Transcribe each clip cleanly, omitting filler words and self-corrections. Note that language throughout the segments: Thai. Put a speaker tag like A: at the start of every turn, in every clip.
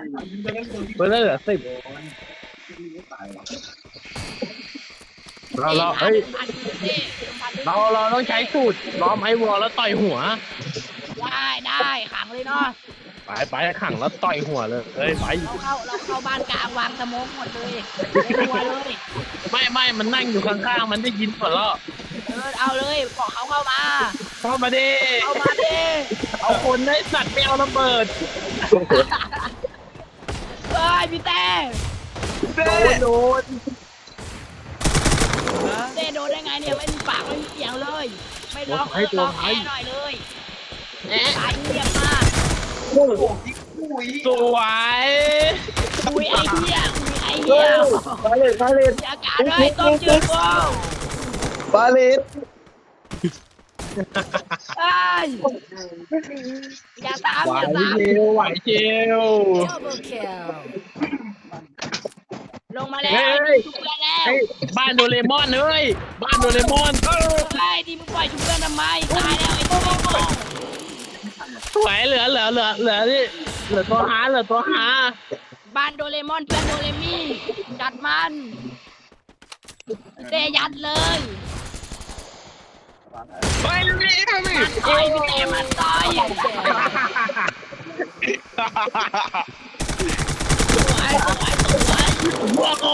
A: เพื่อนเหลือ10เราเฮ้ยเราต้องใช้สูตรล้อมไอ้วอลแล้วต่อยหัว
B: ได้ขังเลยเนาะ
A: ไปขังแล้วต่อยหัวเลยเฮ้ยไป
B: เราเข้าบ้านกลางวางสโมกหมดเลยตัวเลย
A: ไม่มันนั่งอยู่ข้างๆมันได้ยินหมดแล้ว
B: เอาเลยบอกเขาเข้ามา
A: ดิเอาคนได้สัตว์ไม่เอาระเบิด
B: เฮ้ยพี่เต้
A: โดน
B: โดนได้ไงเนี่ยไม่มีปากไม่มีเสียงเลยไม่ร้องแค่หน่อยเลยตายเงียบมาก
A: สวย
B: คุยไอเหี้ย
A: บาเลต
B: อากาศด้วยต้มจืดกู
A: บาเลต
B: อย่าตาม
A: ไหวเชียว
B: ลงมาแล้วชุบเพื่อนแล้ว
A: บ้านโดเรมอนเลยบ้านโดเรมอน
B: ดิมึงปล่อยชุบเพื่อนทำไมตายแล้วไอ้ตัว
A: สวยเหลือนี่เหลือตัวหา
B: บ้านโดเรมอนเพื่อนโดเรมี่จัดมันเตยัดเลย
A: ไปเลย
B: มันต่อยพี่เตมันต่อย
A: ว้าว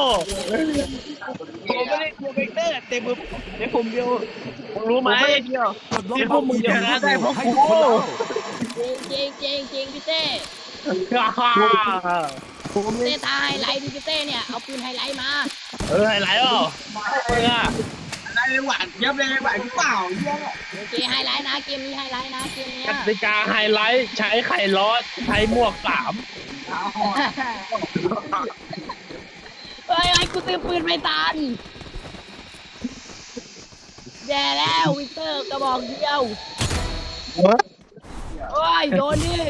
A: ผมไม่ได้กลัวเบเตอร์แต่มือในผมเดียวรู้ไหมที่พวกมึงชนะได้เพราะกู
B: จริงพี่เต้เต้ตาไฮไลท์ดิพี่เต้เนี่ยเอาปืนไฮไลท์มา
A: ไฮไลท์อ่ะ
C: ได้หวานยับเลยหวานเปล่า
B: โอเคไฮไลท์นะเกมนี้ไฮไลท์นะเกมนี้
A: กติกาไฮไลท์ใช้ไข่ล้อใช้หมวก3
B: เฮ้ยกูซื้อปืนไม่ทันแย่แล้ววิกเตอร์กระบอกเดียวโอ้ยโดนดิ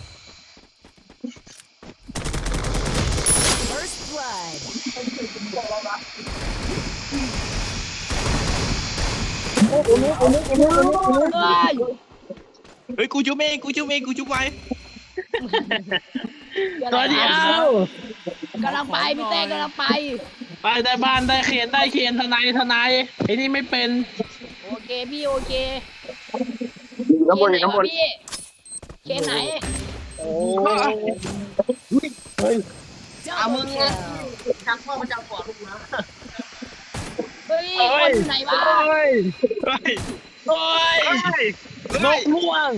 C: เฮ้ยกูจุ๊บเองกูจุ๊บไว้
A: ตัวเดียว
B: กำลังไปพี่เต้กำลังไป
A: ได้บ้านได้เขียนทนายไอ้นี่ไม่เป็น
B: โอเคพี่โอเค
A: น้ำบน
B: พี่เคนไหน
A: โอ้
C: ยเอามึงชักพ่อมาจับก่อนลูกนะ
B: เฮ้ยคนไหนวะ
A: นกม่วง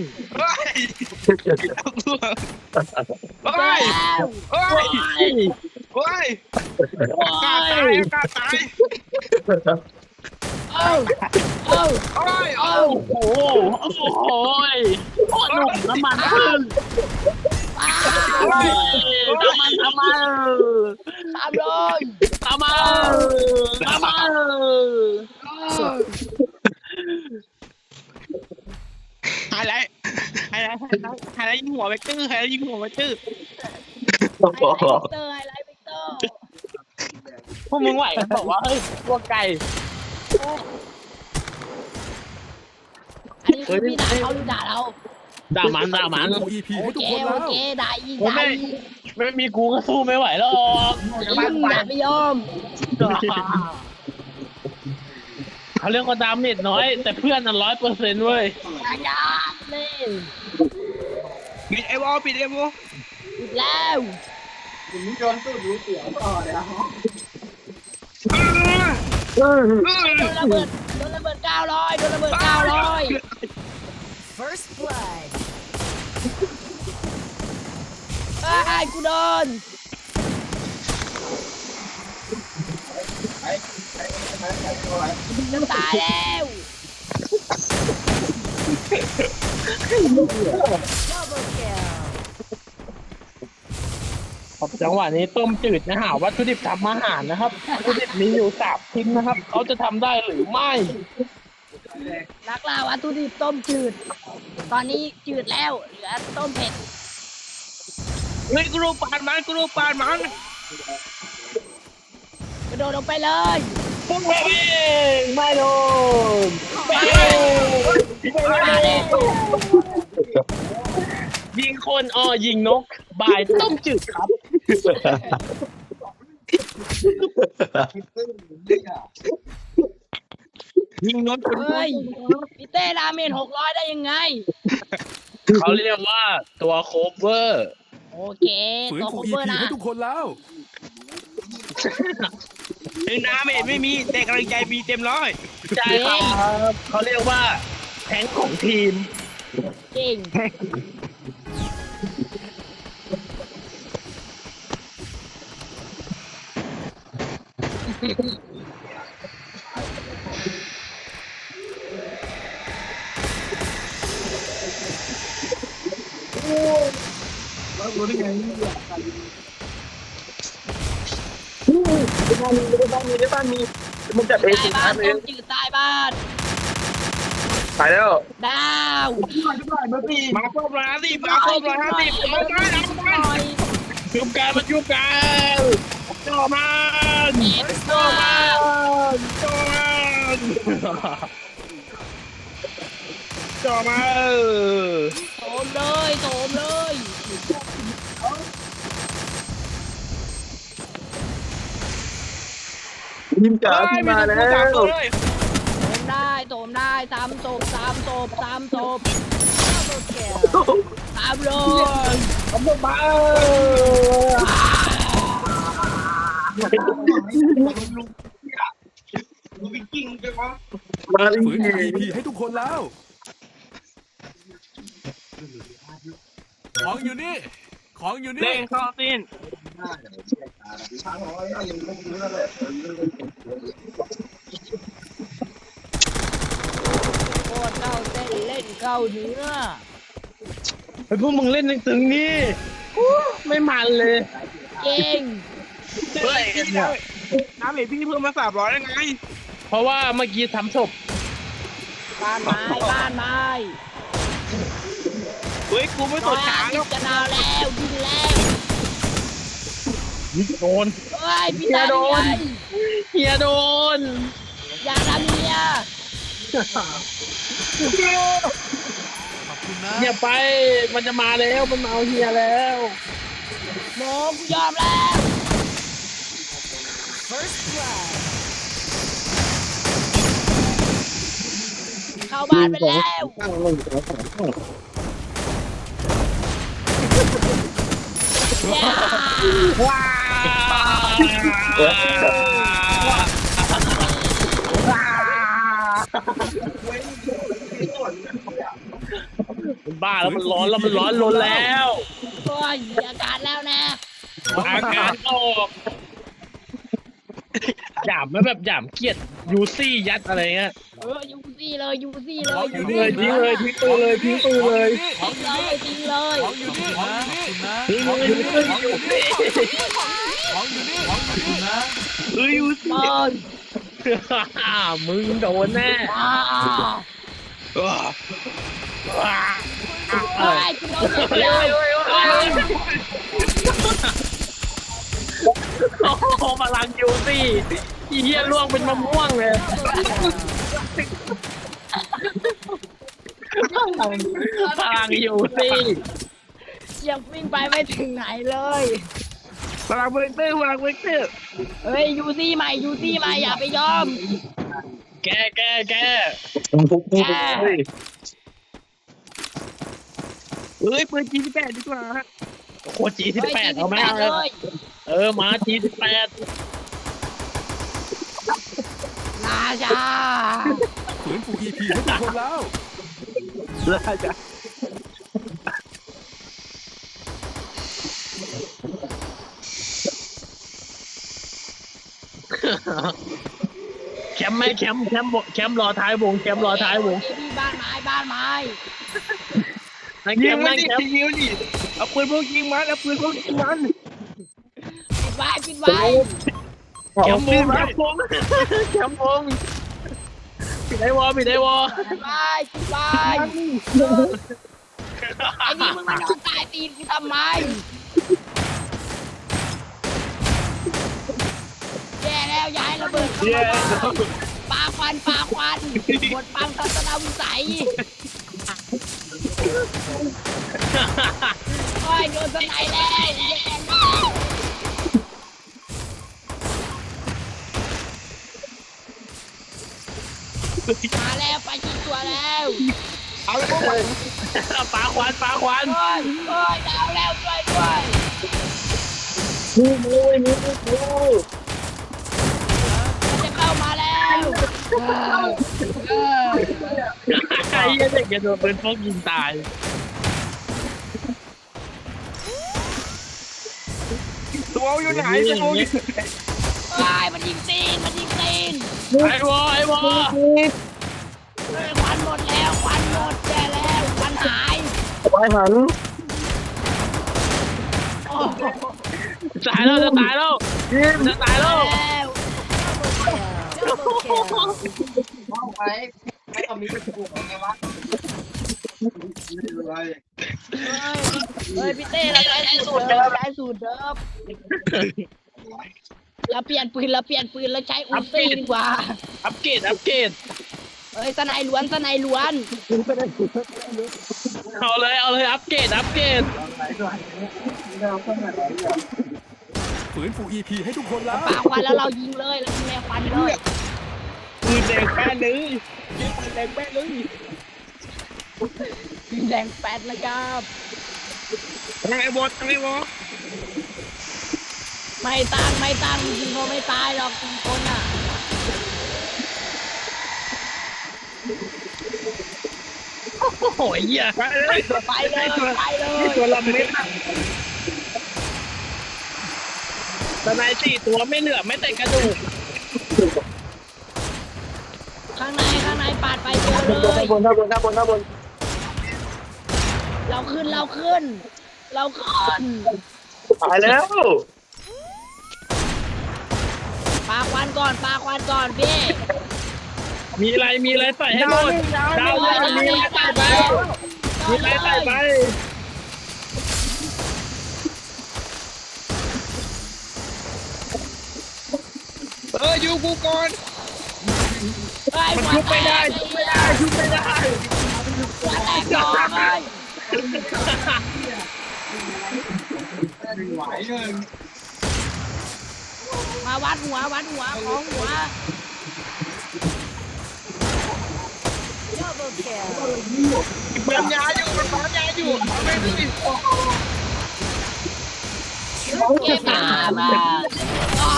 C: ตาย
A: โอ้โหหนุ่มน้ำมันขึ้นน้ำมัน
B: ทำเลย
C: ไฮไลท์ยิงหัวไปตื้อไฮไลท์ยิงหัวไปตื้อ
B: ไฮไลท์วิกเตอร์
A: พวกมึงไหวกันบอกว่าเฮ้ยพวกไก่
B: อันนี้คือพี่ด่าเขาหรือด่าเรา
A: ด่ามัน
B: โอเคด่าอีก
A: ไม่มีกูก็สู้ไม่ไหวหรอก
B: ไม่ยอม
A: เขาเรียกว่าดาเมจน้อยแต่เพื่อน100%เว้ย
B: ยากเลย
C: ปิดไอ้วอลปิด
B: แล้ว
C: ผมโดนตู้ดูเสียงต่อเลย
B: โดนระเบิด900 First blood กูโดนน้ำตายแล้ว
A: จังหวะนี้ต้มจืดนะฮะวัตถุดิบทำอาหารนะครับวัตถุดิบมีอยู่3 ชิ้นนะครับเขาจะทำได้หรือไม่
B: นักล่าวัตถุดิบต้มจืดตอนนี้จืดแล้วเหลือต้มเผ็ด
C: เฮ้ยกูรูปานมันก
B: ระโดดลงไปเลย
A: ไม่โดนยิงคนยิงนกบ่ายต้มจืดครับ
C: ยิงนนท์
B: เฮ้ยพี่เต้ดาเมจ600ได้ยังไง
A: เขาเรียกว่าตัวโคเวอร์
B: โอเค
D: ฝืน
B: ตัว
D: ฟู
B: โค
D: อี
B: เวอร์
D: พี
B: นะ
D: ให้ทุกคนแล้ว
C: ถึงน้ำไม่มีแต่กำลังใจมีเต็มร้อย
A: ใช่ครับเขาเรียกว่าแทงค์ของทีม
B: จริง
A: ในบ้านมีมันจัดเอง
B: ใต้บ้านต้มจืดใต้บ้าน
A: ตายแล้ว
B: ดาว
C: มาครบ150มาครบ150เอาไปเอาไป
B: หน่อย
A: ชุบกันมาชุบกันจ่อมัน
B: เอ็กซ์ตร้า
A: จ่อมันจ่อมัน
B: โถมเลยโถมเลย
A: ทีมจ๋าที่มาแล้ว
B: โถมได้โถมได้สามศพสามศพสามศพสามเลย
A: ทำมา
D: มาฝืนฟูอีพีให้ทุกคนแล้ว ของอยู่นี่ ของอยู่นี่
C: เล่งเข้าสิ้น
B: โคตรเข้าเส้นเล่นเข้าเนื้อ
A: ไอ้พวกมึงเล่นตึงๆนี่ไม่มันเลย
B: เก่ง
C: เฮ้ยน้ำเห็นพี่เพิ่มมา300ได้ไง
A: เพราะว่าเมื่อกี้ทำศพ
B: บ้านไม้บ้านไม้
C: เฮ้ยกูไม่ส
B: ร้อน ย
C: ช้าง
B: 50จะดาวแล้วดินแล้ว
A: โดน
B: เฮ้ยพี่ตา
A: โดน
B: ไง
A: เฮียโดน
B: อย่าทำเมีย
D: ขอบคุณนะ
A: อย่าไปมันจะมาแล้วมันมาเอาเฮียแล้ว
B: โมกูยอมแล้วเข้าบ้านไปแล้วย่า
A: ว้าบ้าแล้วมันร้อนแล้วมันร้อนลนแล้ว
B: โอ้ยมีอาการแล้วนะ
A: อาการออกหยามไหมแบบหยามเกลียดยูซี่ยัดอะไรเงี้ย
B: ยูซี่เลยยูซี่เล
D: ของ
B: ย
D: อยู่
A: ทิ้ง
D: นี่
A: เลยทิ้งเลยทิ้งปืนเลยทิ้งปืนเลย
D: ของอยู่นี่
B: จริงเลย
D: ของอยู่นี่นะขอบคุณนะ
A: ทิ้ง
D: ของ
A: เล
D: อย ยู่นี่
A: ทิ้ง
D: ของอยู่นี่ของอยู่นี่ของอยู่นี่นะ
C: เฮ้ยยู
B: บอล
A: มึงโดนแน่
B: อ่า เฮ้ยคุณโดนเสีย
A: โอ้โหพลังยูซี่อีเหี้ยล่วงเป็นมะม่วงเลยพลังยูซี่
B: ยังวิ่งไปไม่ถึงไหนเลย
C: พลังเวกเตอร์พลังเวกเตอร์
B: เฮ้ยยูซี่ใหม่ยูซี่ใหม่อย่าไปยอม
A: แก
B: แก
C: เฮ้ยปืนG18ดีกว่า
A: โคจีสิบแปดเอาไหม
B: เลย
A: มาจีสิบแปด
B: ราชา
D: ฝืนฟูอีพีให้ทุกคนแล้ว
A: แล้วจะแคมป์ไหมแคมป์รอท้ายวงแคมป์รอท้ายวง
B: พี่บ้านไม้บ้านไม้
A: นั่งแค
C: ยิง
A: มป์
C: มัน
A: นั่ง
C: ดิ
A: แคมป์
C: ยิงดิเอาปืนพวกยิงมันเอาปืนพวกยิงมัน
B: ปิดไว้ปิดไว้
A: แคมป์วงแคมป์วงแคมป์วงปิดไอวอปิดไอวอ
B: ปิดไว้ปิดไว้ไอ้นี่มึงมานอนใต้ตีนกูทำไมแย่แล้วย้ายระเบิดเข้ามาปาควันหมดปังทัศนวิสัยโอ้อ้ยโดนสไนแล้วแย่งมาแล้วไปชิงตัวแล้ว
C: เอาเลยพวกมัน
A: ปลาควันปลาควัน
B: โอ้ยโอ้ยดาวแล้วช่วยด้วย
A: มู
B: มันจะเข้ามาแล้วเออ
A: ไอ้เหี้ยเด็กจะโดนปืนพกยิงตาย
C: ตัวอยู่ไหนตัวอยู่
B: โอ้ยมันยิงตีนมันยิงตีน
A: ไอ้วอไอ้วอ
B: เฮ้ยควันหมดแล้วควันหมดแย่แล้วควันหาย
A: ไว้หัน
B: โอ้โห
A: ตายแล้วจะตายแล้วจะตายแล้ว
B: แล้ว เฮ้ยพี่เต้เราใช้สูตรเดิมใช้สูตรเดิมเราเปลี่ยนปืนเราใช้อุลตร้าดีกว่า
A: อัปเกรดอัปเกรด
B: เฮ้ยสไนล้วน
A: เอาเลยอัปเกรดอัปเกรด
D: ฝืนฟู EP ให้ทุกคนแล้ว
B: ปาควันแล้วเรายิงเลยเรายิงแนวควันเลย
C: ปืนแดงแป้นเลยปืนแดงแป้นเลย
B: ยิงแดงแปดนะครับ
C: ทางไอ้บอสทางไอ้บอส
B: ไม่ตั้งยิงเขาไม่ตายหรอกยิงคนอ่ะ
A: โอ้โหเหี้ย
C: ไปเลย
B: ไปเลยไปเลย
C: ตัวลำเม็ด
A: สไน4 ตัวไม่เหลือไม่แต่กระดูก
B: ข้างในปาดไปเจอเลย
A: ข้างบน
B: เราขึ้น
A: ตายแล้ว
B: ปาควันก่อนพี่
A: มีอะไรใส่ให้หมดดาวเลยมีอะไรใส่ไปมีอะไรใส่ไป
C: อยู่กูก่อน
A: มันชุบไม่ได้ชุบไม่ได้
B: หัวแตกดอกเลยมาวัดหัวของหัว
C: ปั๊มยาอยู่มันปั๊มยาอยู่เอาไปดิ
B: เก็บตามาอ้าว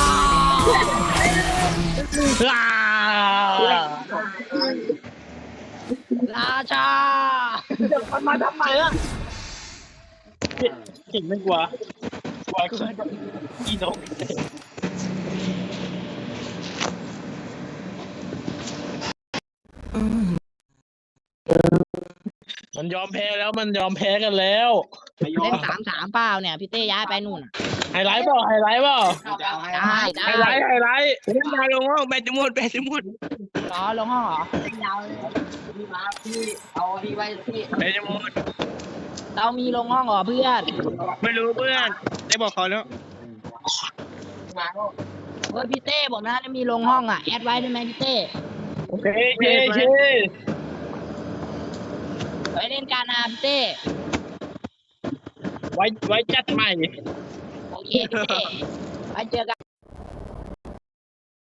B: ราชา
A: มันมาทำไมล่ะเก่งไม่กลัวอีนกมันยอมแพ้แล้วมันยอมแพ้กันแล้ว
B: เล่น3-3เปล่าเนี่ยพี่เต้ย้ายไปนู่น
A: ไฮไลท์เปล่า
B: ได้
A: ไฮไลท์
C: เล่นมาลงห้องแบตจะหมด
B: รอลงห้องเหรอ
C: แบตจะหมด
B: เรามีลงห้องเหรอเพื่อน
C: ไม่รู้เพื่อนได้บอกเขาแล้ว
B: เฮ้ยพี่เต้บอกนะจะมีลงห้องอ่ะแอดไว้ได้ไหมพี่เต้
A: โอเค
B: ไปเล่นการพี่เต้
A: ไว้จัดใหม่
B: โอเคพี่เต้ไปเจอกัน